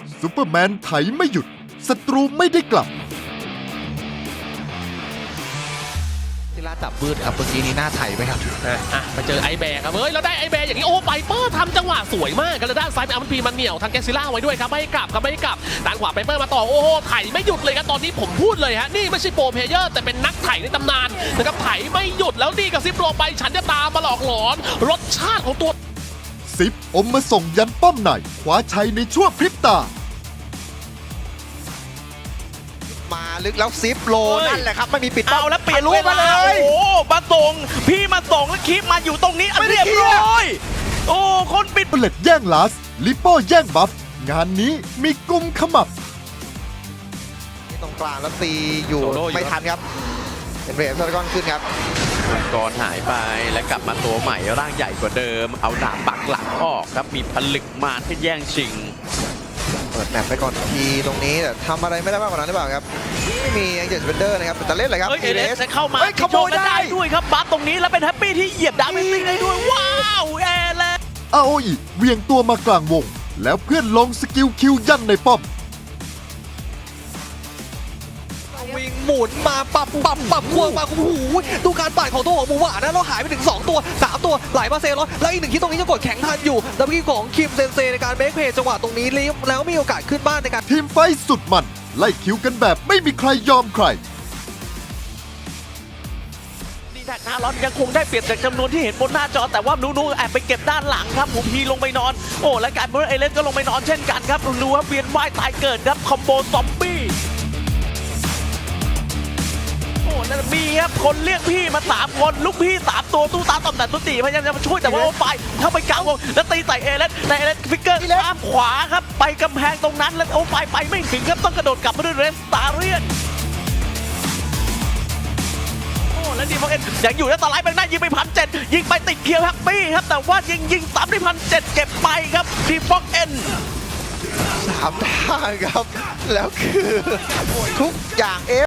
ซูเปอร์แมนไถไม่หยุดศัตรูไม่ได้กลับที่ล่าจับบืดครับเมื่อกี้นี้หน้าไถไหมครับไปเจอไอแบกครับเฮ้ยแล้วได้ไอแบกอย่างนี้โอ้ไบเปอร์ทำจังหวะสวยมากกันแล้วด้านซ้ายเป็นอัมพีมันเหนียวทางแกซิล่าไว้ด้วยครับไม่ให้กลับครับไม่ให้กลับด้านขวาไบเปอร์มาต่อโอ้โหไถไม่หยุดเลยครับตอนนี้ผมพูดเลยฮะนี่ไม่ใช่โปรเพลเยอร์แต่เป็นนักไถในตำนานนะครับไถไม่หยุดแล้วดีกับซิปโรไปฉันจะตามมาหลอกหลอนรสชาติของตัวซิปอมมาส่งยันป้อมในคว้าชัยในชั่วพริบตามาลึกแล้วซิปโลนั่นแหละครับไม่มีปิดเป้าเอาแล้วเปลี่ยนรูปมาเลยโอ้มาส่งพี่มาส่งแล้วคลิปมาอยู่ตรงนี้อันเรียบร้อยโอ้คนปิดเปล็ดแย่งลาสลิปโป้แย่งบัฟงานนี้มีกุมขมับตรงกลางแล้วตีอยู่ไม่ทันครับเป็นเบรฟซาร์กอนขึ้นครับก่อนหายไปและกลับมาตัวใหม่ร่างใหญ่กว่าเดิมเอาดาบปักหลังออกครับมีผลึกมาที่แย่งชิงเปิดแมปไปก่อนทีตรงนี้แต่ทำอะไรไม่ได้มากกว่านั้นหรือเปล่าครับไม่มียังเจ็ดสเปนเดอร์นะครับแต่เล่นเลยครับเอเลสเข้ามาขโมยได้ด้วยครับบัฟตรงนี้แล้วเป็นแฮปปี้ที่เหยียบดาเมจได้ด้วยว้าวเอเลสอาโออิเวียงตัวมากลางวงแล้วเพื่อนลงสกิลคิวยันในป้อมวิ่งหมุนมาปับควงมาโอ้โหดูการปั่นของตัวของหมูหวานนะเราหายไปถึง2ตัว3ตัวไหลมาเซรอนแล้วอีกหนึ่งที่ตรงนี้จะกดแข็งทันอยู่แล้วเมื่อกี้ของคิมเซนเซในการเบรกเพย์จังหวะตรงนี้แล้วมีโอกาสขึ้นบ้านในการทีมไฟสุดมันไล่คิวกันแบบไม่มีใครยอมใครดีแท็กฮารอนยังคงได้เปรียบจากจำนวนที่เห็นบนหน้าจอแต่ว่านูแอบไปเก็บด้านหลังครับหมูพีลงไปนอนโอ้และการเบอร์เอเลสก็ลงไปนอนเช่นกันครับนูครับเวียนว่ายตายเกิดครับคอมโบซอมบี้นั่นมีครับคนเรียกพี่มา3คนลูกพี่3ตัวตู้ตาต่อมแต่ตุ้ตีพยายามจะมาช่วยแต่ว่าโอ้ไปเข้าไปกลางวงแล้วตีใส่เอเลสแต่เอเลสฟิกเกอร์ข้ามขวาครับไปกำแพงตรงนั้นแล้วโอ้ไปไม่ถึงครับต้องกระโดดกลับมาด้วยเรสตาเรียนโอ้แล้วดีฟอกเอ็นยังอยู่แล้วตาไลท์ไปหน้ายิงไป1,700ยิงไปติดเคียวแฮปปี้ครับแต่ว่ายิงซ้ำได้1,700เก็บไปครับดีฟอกเอ็น 3 ทางครับแล้วคือทุกอย่าง